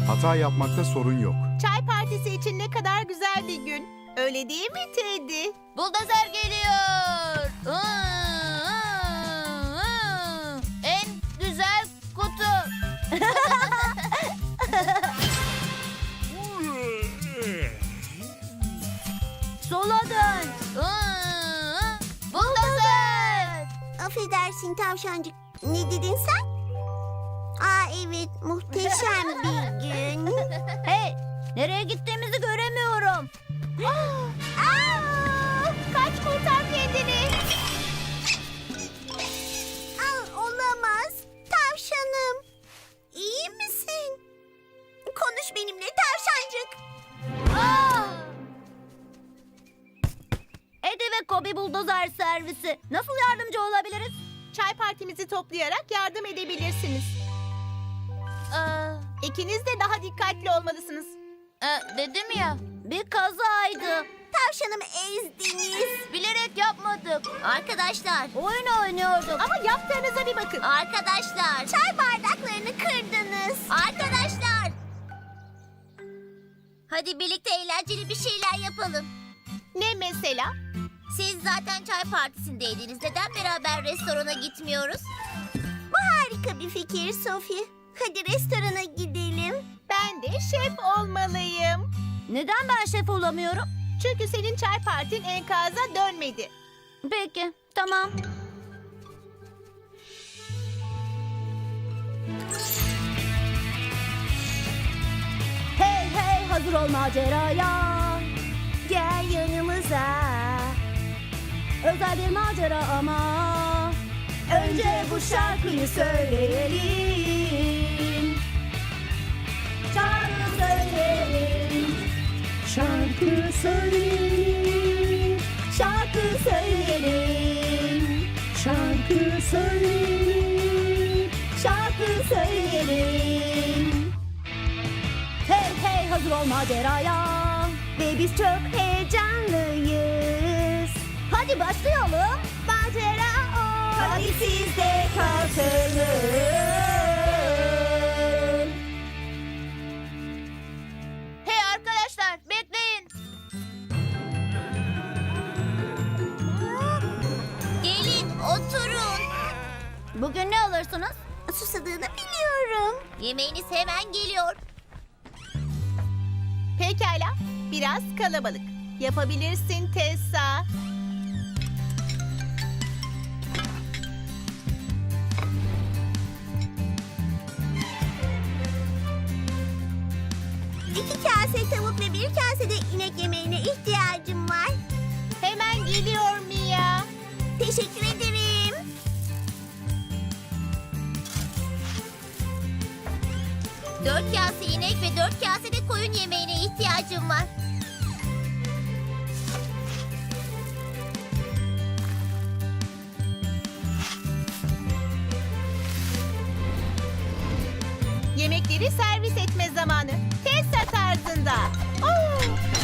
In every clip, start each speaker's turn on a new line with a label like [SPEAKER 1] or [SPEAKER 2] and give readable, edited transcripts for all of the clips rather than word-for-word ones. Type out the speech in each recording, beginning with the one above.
[SPEAKER 1] Hata yapmakta sorun yok.
[SPEAKER 2] Çay partisi için ne kadar güzel bir gün. Öyle değil mi Teddy?
[SPEAKER 3] Buldozer geliyor. En güzel kutu.
[SPEAKER 4] Sola dön.
[SPEAKER 3] Buldozer.
[SPEAKER 5] Affedersin tavşancık. Ne dedin sen? Aa evet, muhteşem bir gün.
[SPEAKER 4] Hey, nereye gittiğimizi göremiyorum.
[SPEAKER 2] Aa, kaç kurtar kendini.
[SPEAKER 5] Aa, olamaz. Tavşanım. İyi misin? Konuş benimle tavşancık.
[SPEAKER 4] Eddie ve Kobe buldozer servisi. Nasıl yardımcı olabiliriz?
[SPEAKER 2] Çay partimizi toplayarak yardım edebilirsiniz. İkiniz de daha dikkatli olmalısınız.
[SPEAKER 3] Dedim ya.
[SPEAKER 4] Bir kazaydı.
[SPEAKER 5] Tavşanımı ezdiniz.
[SPEAKER 3] Bilerek yapmadık.
[SPEAKER 5] Arkadaşlar.
[SPEAKER 4] Oyun oynuyorduk.
[SPEAKER 2] Ama yaptığınıza bir bakın.
[SPEAKER 5] Arkadaşlar. Çay bardaklarını kırdınız. Arkadaşlar. Hadi birlikte eğlenceli bir şeyler yapalım.
[SPEAKER 2] Ne mesela?
[SPEAKER 5] Siz zaten çay partisindeydiniz. Neden beraber restorana gitmiyoruz? Bu harika bir fikir Sophie. Hadi restorana gidelim.
[SPEAKER 2] Ben de şef olmalıyım.
[SPEAKER 4] Neden ben şef olamıyorum?
[SPEAKER 2] Çünkü senin çay partin enkaza dönmedi.
[SPEAKER 4] Peki, tamam. Hey hey, hazır ol maceraya.
[SPEAKER 5] Gel yanımıza.
[SPEAKER 4] Özel bir macera ama. Önce bu şarkıyı söyleyelim. Şarkı söyleyelim. Şarkı söyleyelim. Şarkı söyleyelim. Şarkı söyleyelim. Şarkı söyleyelim. Hey hey, hazır ol maceraya. Ve biz çok heyecanlıyız. Hadi başlayalım. Macera o. Hadi siz de katılın.
[SPEAKER 3] Hey arkadaşlar, bekleyin.
[SPEAKER 5] Gelin oturun.
[SPEAKER 4] Bugün ne alırsınız?
[SPEAKER 5] Susadığını biliyorum. Yemeğiniz hemen geliyor.
[SPEAKER 2] Pekala, biraz kalabalık. Yapabilirsin Tessa.
[SPEAKER 5] İki kase tavuk ve bir kase de inek yemeğine ihtiyacım var.
[SPEAKER 2] Hemen geliyor Mia.
[SPEAKER 5] Teşekkür ederim. Dört kase inek ve 4 kase de koyun yemeğine ihtiyacım var.
[SPEAKER 2] Yemekleri servis etme zamanı. Tessa tarzında. Oo.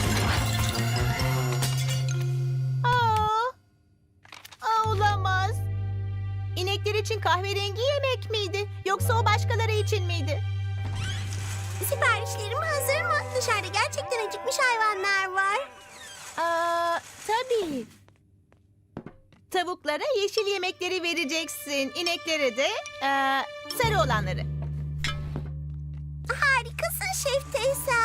[SPEAKER 2] Olamaz. İnekler için kahverengi yemek miydi? Yoksa o başkaları için miydi?
[SPEAKER 5] Siparişlerim hazır mı? Dışarıda gerçekten acıkmış hayvanlar var.
[SPEAKER 2] Tabii. Tavuklara yeşil yemekleri vereceksin. İneklere de sarı olanları.
[SPEAKER 5] Harikasın Şef Teyze.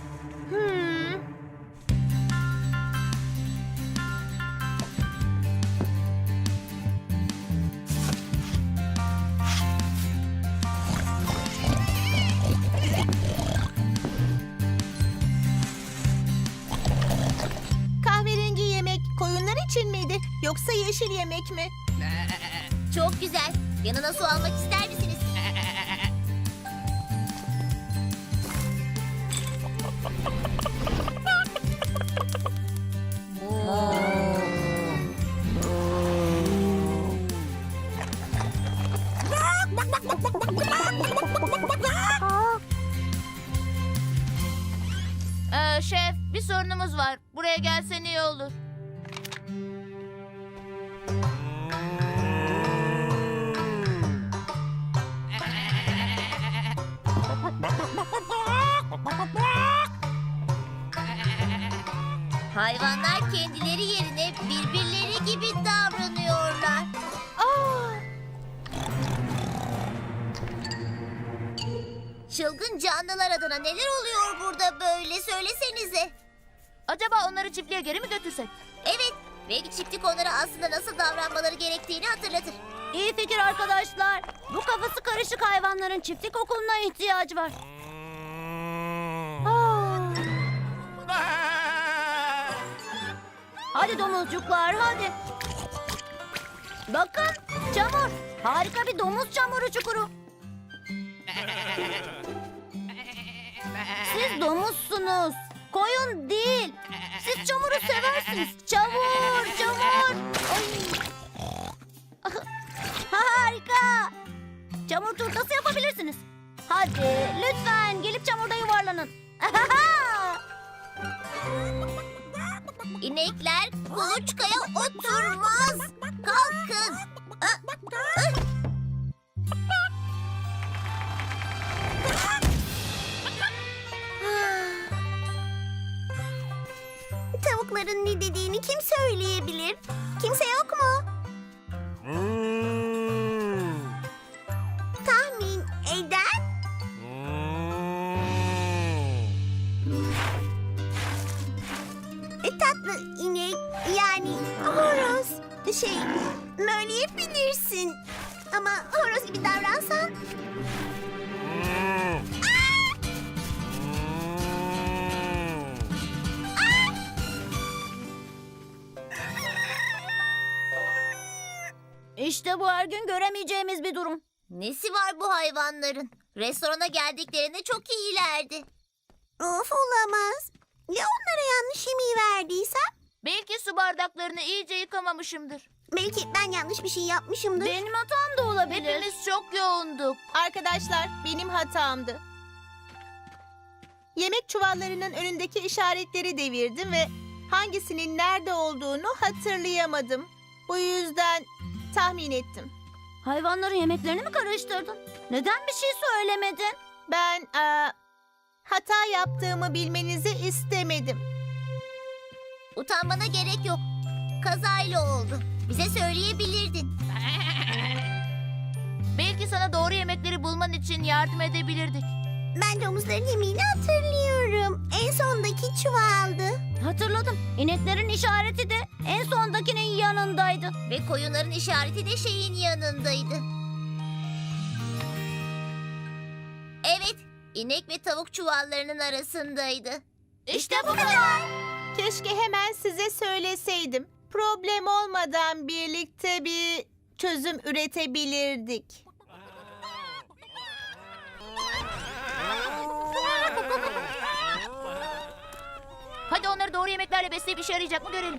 [SPEAKER 2] Kahverengi yemek koyunlar için miydi? Yoksa yeşil yemek mi?
[SPEAKER 5] Çok güzel. Yanına su almak ister misiniz?
[SPEAKER 3] Şef, bir sorunumuz var. Buraya gelsen iyi olur.
[SPEAKER 5] Hayvanlar kendileri yerine birbirleri gibi davranıyorlar.
[SPEAKER 2] Aa,
[SPEAKER 5] Çılgın canlılar adına neler oluyor burada böyle söylesenize.
[SPEAKER 3] Acaba onları çiftliğe geri mi götürsek?
[SPEAKER 5] Evet, belki çiftlik onlara aslında nasıl davranmaları gerektiğini hatırlatır.
[SPEAKER 4] İyi fikir arkadaşlar. Bu kafası karışık hayvanların çiftlik okuluna ihtiyacı var. Hadi domuzcuklar hadi. Bakın çamur. Harika bir domuz çamuru çukuru. Siz domuzsunuz. Koyun değil. Siz çamuru seversiniz. Çamur, çamur. Ay. Harika. Çamur turtası yapabilirsiniz. Hadi lütfen gelip çamurda yuvarlanın.
[SPEAKER 5] İnekler kuluçkaya oturmaz. Kalkın. Tavukların ne dediğini kim söyleyebilir? Kimse yok mu? Tahmin eden? Tatlı inek yani horoz. Möyleyebilirsin. Ama horoz gibi davransan.
[SPEAKER 4] İşte bu her gün göremeyeceğimiz bir durum.
[SPEAKER 5] Nesi var bu hayvanların? Restorana geldiklerinde çok iyilerdi. Of olamaz. Ya onlara yanlış yemeği verdiysem?
[SPEAKER 3] Belki su bardaklarını iyice yıkamamışımdır.
[SPEAKER 5] Belki ben yanlış bir şey yapmışımdır.
[SPEAKER 4] Benim hatam da olabilir.
[SPEAKER 3] Hepimiz çok yoğunduk.
[SPEAKER 2] arkadaşlar, benim hatamdı. Yemek çuvallarının önündeki işaretleri devirdim ve hangisinin nerede olduğunu hatırlayamadım. Bu yüzden tahmin ettim.
[SPEAKER 4] Hayvanların yemeklerini mi karıştırdın? Neden bir şey söylemedin?
[SPEAKER 2] Ben hata yaptığımı bilmenizi istemedim.
[SPEAKER 5] Utanmana gerek yok. Kazayla oldu. Bize söyleyebilirdin.
[SPEAKER 3] Belki sana doğru yemekleri bulman için yardım edebilirdik.
[SPEAKER 5] Ben domuzların yemeğini hatırlıyorum. En sondaki çuvaldı.
[SPEAKER 4] Hatırladım. İneklerin işareti de en sondakinin yanındaydı.
[SPEAKER 5] Ve koyunların işareti de şeyin yanındaydı. Evet, inek ve tavuk çuvallarının arasındaydı.
[SPEAKER 3] İşte bu kadar.
[SPEAKER 2] Keşke hemen size söyleseydim. Problem olmadan birlikte bir çözüm üretebilirdik.
[SPEAKER 3] Hadi onları doğru yemeklerle besleyip işe yarayacak mı görelim.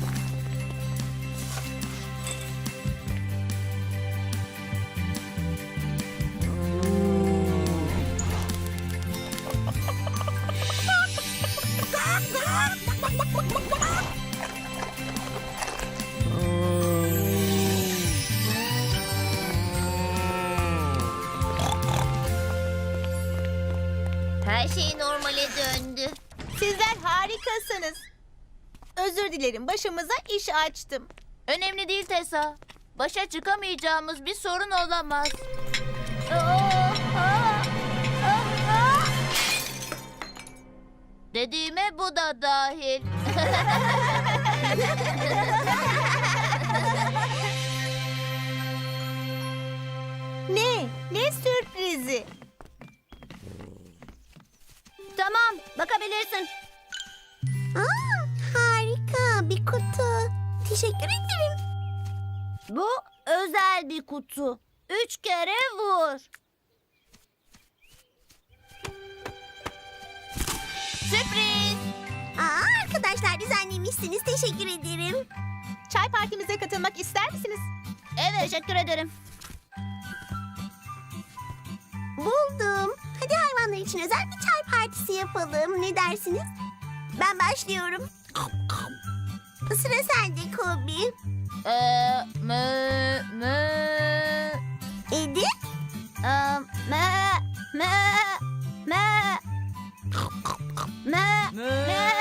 [SPEAKER 5] Her şey normale döndü.
[SPEAKER 2] Sizler harikasınız. Özür dilerim, başımıza iş açtım.
[SPEAKER 3] Önemli değil Tessa. Başa çıkamayacağımız bir sorun olamaz. Dediğime bu da dahil.
[SPEAKER 2] Ne sürprizi.
[SPEAKER 4] Tamam, bakabilirsin.
[SPEAKER 5] Harika bir kutu. Teşekkür ederim.
[SPEAKER 4] Bu özel bir kutu. 3 kere vur.
[SPEAKER 3] Sürpriz.
[SPEAKER 5] Arkadaşlar düzenlemişsiniz. Teşekkür ederim.
[SPEAKER 2] Çay partimize katılmak ister misiniz?
[SPEAKER 4] Evet, teşekkür ederim.
[SPEAKER 5] Buldum. Hadi hayvanlar için özel bir çay partisi yapalım. Ne dersiniz? Ben başlıyorum. Sıra sende Kobi. Edi?
[SPEAKER 4] Me.